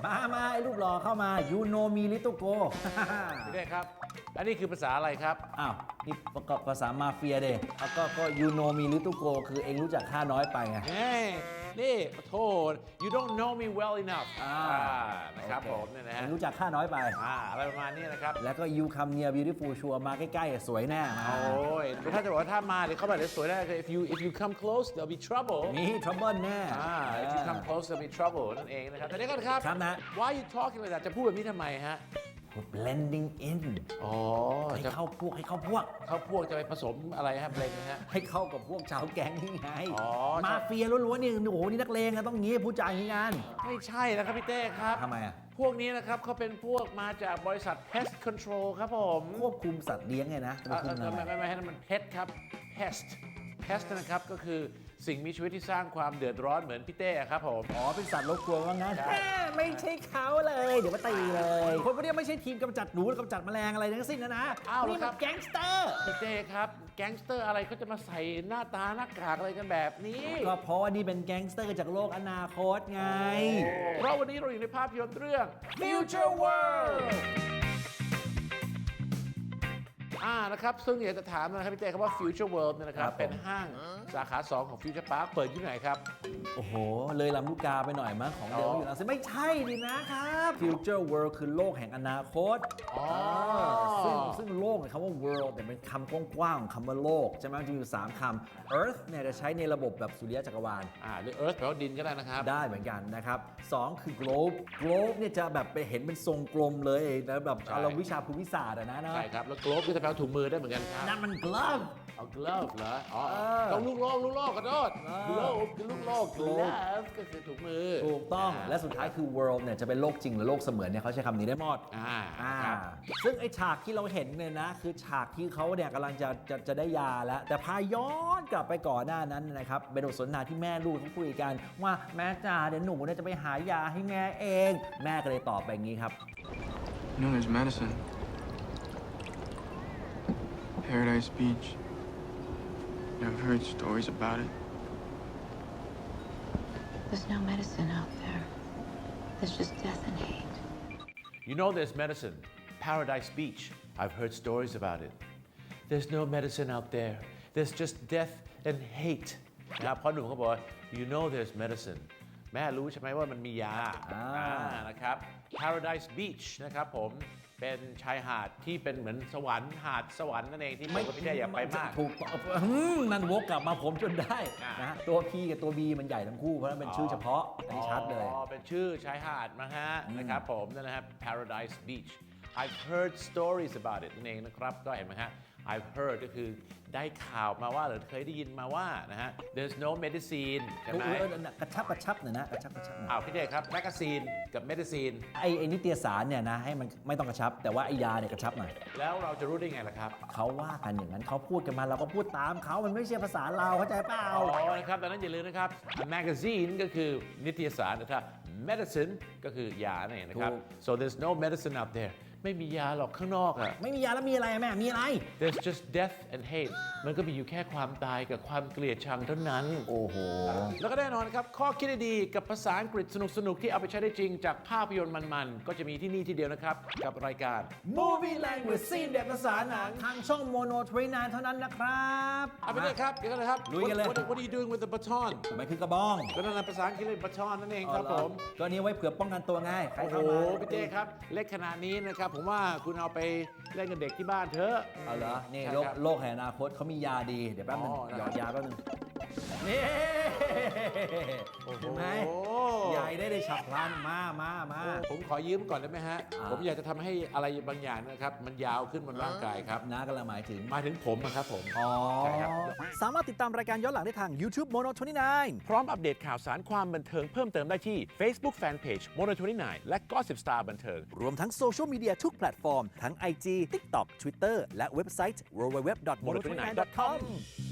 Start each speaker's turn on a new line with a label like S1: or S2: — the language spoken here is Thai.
S1: มาไอ้รูปหล่อเข้ามา you know me little go
S2: พี่เต้ครับอันนี้คือภาษาอะไรครับ
S1: อ้าวนี่ประกอบภาษามาเฟียเด้แล้วก็ you know me little go คือเองรู้จักข้าน้อยไปไง
S2: เฮ้ยนี่โทษ you don't know me well enough นะครับผมเนี่ยนะฮะ
S1: รู้จักข้าน้อยไป
S2: อะไรประมาณนี้นะครับ
S1: แล้วก็ you come near beautiful ชัวร์มาใกล้ๆสวยแน่มา
S2: โอ้ยถ้าจะบอกว่าถ้ามาเดี๋ยวเขาแบบสวยแน่ if you come close there'll be trouble
S1: มี trouble แน่
S2: if you come close there'll be trouble นั่นเองนะครับแต่เดี๋ยวก่อนครับ
S1: ครับนะ
S2: why you talking like that จะพูดแบบนี้ทำไมฮะ
S1: blending in ให้เข้าพวก
S2: จะไปผสมอะไรครับเพลงนะฮะ
S1: ให้เข้ากับพวกชาวแก๊งนี่ไงมาเฟียล้วนๆนี่โอ้โหนี่นักเลงนะต้องงี้พูดจาอย่างนี้กัน
S2: ไม่ใช่นะครับพี่เต้ครับ
S1: ทำไมอ่ะ
S2: พวกนี้นะครับเขาเป็นพวกมาจากบริษัท pest control ครับผม
S1: ควบคุมสัตว์เลี้ยงไงนะ
S2: ไม่ให้มัน pet ครับ pest นะครับก็คือสิ่งมีชีวิตที่สร้างความเดือดร้อนเหมือนพี่เต้ครับผม
S1: เป็นสัตว์รบกวนว่างั้นไม่ใช่เขาเลยเดี๋ยวมาตีเลยคนพวกนี้ไม่ใช่ทีมกำจัดหนูกำจัดแมลงอะไรทั้งสิ้นนะนี่มันแก๊งสเตอร์
S2: พี่เต้ครับแก๊งสเตอร์อะไรเขาจะมาใส่หน้าตาหน้ากากอะไรกันแบบนี้
S1: ก็เพราะว่านี่เป็นแก๊งสเตอร์จากโลกอนาคตไง
S2: เพราะวันนี้เราอยู่ในภาพยนตร์เรื่อง Future Worldนะครับซึ่งอยากจะถามนะครับพี่เต้ครับว่า Future World เนี่ยนะครับเป็นห้างสาขา 2 ของ Future Park เปิดที่ไหนครับ
S1: โอ้โหเลยลำลูกกาไปหน่อยมั้งของเดิมอยู่แล้วไม่ใช่ดินะครับ Future World คือโลกแห่งอนาคตซึ่งโลกเนี่ยคำว่า world เนี่ยเป็นคำกว้างๆของคำว่าโลกใช่ไหมจะมีอยู่3คำ Earth เนี่ยจะใช้ในระบบแบบสุริยะจักรวาล
S2: หรือ Earth แปลว่าดินก็ได้นะครับ
S1: ได้เหมือนกันนะครับ2คือ globe เนี่ยจะแบบไปเห็นเป็นทรงกลมเลยนะแบบเราวิชาภูมิศาสตร์นะ
S2: ใช่ครับแล้ว globe ก็จะแปลว่าถุงมือได้เหมือนกันครับ
S1: นั่นมัน glove
S2: glove เหรอต้องลูกโลกกระโดด globe คือลูกโลก glove ก็คือถุงมือ
S1: ถูกต้องและสุดท้ายคือ world เนี่ยจะเป็นโลกจริงหรือโลกเสมือนเนี่ยเขาใช้คำนี้ได้หมดซึ่งไอ้ฉากที่เราเห็นเนี่ยนะคือฉากที่เขาเนี่ยกำลังจะได้ยาแล้วแต่พาย้อนกลับไปก่อนหน้านั้นนะครับเป็นบทสนทนาที่แม่ลูกเขาคุยกันว่าแม่จ๋าเดี๋ยวหนูเนี่ยจะไปหายาให้แม่เองแม่ก็เลยตอบไปอย่างนี้ครับ
S3: No, there's medicine. Paradise Beach. I've heard stories about it.
S4: There's no medicine out there. There's just death and hate.
S2: You know there's medicine. Paradise Beach. I've heard stories about it. There's no medicine out there. There's just death and hate. นะครับพ่อหนุ่มเขาบอก You know there's medicine. แม่รู้ใช่ไหมว่ามันมียานะครับ Paradise Beach นะครับผมเป็นชายหาดที่เป็นเหมือนสวรรค์หาดสวรรค์นั่นเองที่ผมกับพี่แจ๊อยากไปมาก
S1: ถูกนั่นวกกลับมาผมจนได้นะตัว P กับตัว B มันใหญ่ทั้งคู่เพราะนั่นเป็นชื่อเฉพาะอันนี้ชัดเลย
S2: เป็นชื่อชายหาดนะฮะนะครับผมนั่นนะครับ Paradise Beach I've heard stories about it นั่นเองนะครับก็เห็นไหมฮะ I've heard ก็คือได้ข่าวมาว่าหรือเคยได้ยินมาว่านะฮะ there's no medicine ใช่ไหม
S1: กระชับหน่อยนะกระชับ
S2: พี่เด็กครับแมกกาซีนกับเมดิซีน
S1: ไอ้นิตยสารเนี่ยนะให้มันไม่ต้องกระชับแต่ว่าไอ้ยาเนี่ยกระชับหน่อย
S2: แล้วเราจะรู้ได้ไงล่ะครับ
S1: เขาว่ากันอย่างนั้นเขาพูดกันมาเราก็พูดตามเขามันไม่ใช่ภาษาเราเข้าใจเปล่า
S2: นะครับดังนั้นอย่าลืมนะครับ magazine ก็คือนิตยสารนะครับ medicine ก็คือยาเนี่ยนะครับ so there's no medicine out there ไม่มียาหรอกข้างนอกอะ
S1: ไม่มียาแล้วมีอะไรแม่มีอะไร
S2: there's just death and hate มันก็มีอยู่แค่ความตายกับความเกลียดชังเท่านั้น
S1: โอ้โห
S2: แล้วก็แน่นอนครับข้อคิดดีกับภาษาอังกฤษสนุกๆที่เอาไปใช้ได้จริงจากภาพยนตร์มันๆก็จะมีที่นี่ที่เดียวนะครับกับรายการ
S1: Movie Language ซีนแบบภาษาหนังทางช่อง Mono 29เท่านั้นนะครับ
S2: ไปเลยครับเดี๋ยวกันเลยครับ
S1: ลุยกันเลย
S2: What are you doing with the baton
S1: ทำไมคือกระบอง
S2: ก็นั่นภาษาอังกฤษเลย baton นั่นเองครับผม
S1: ก็นี้ไว้เผื่อป้องกันตัวง่าย
S2: โอ้โหพี่เต้ครับเล็กขนาดนี้นะครับผมว่าคุณเอาไปเล่นกับเด็กที่บ้านเถอะ
S1: เอาเหรอนี่โลกแห่งอนาคตเขามียาดีเดี๋ยวแป๊บนึงหยอดยาแป๊บนึงนี่เห็นไหมใหญ่ได้ฉับพลันมา
S2: ผมขอยืมก่อนได้ไหมฮะผมอยากจะทำให้อะไรบางอย่างนะครับมันยาวขึ้นบนร่างกายครับ
S1: น้ากำลังหมายถึง
S2: ผมนะครับผม
S1: ใช่ครับสามารถติดตามรายการย้อนหลังได้ทาง YouTube Mono 29
S2: พร้อมอัปเดตข่าวสารความบันเทิงเพิ่มเติมได้ที่ Facebook Fanpage Mono 29และ Gossip Star บันเทิง
S1: รวมทั้งโซเชียลมีเดียทุกแพลตฟอร์มทั้ง IG TikTok Twitter และเว็บไซต์ www.mono29.com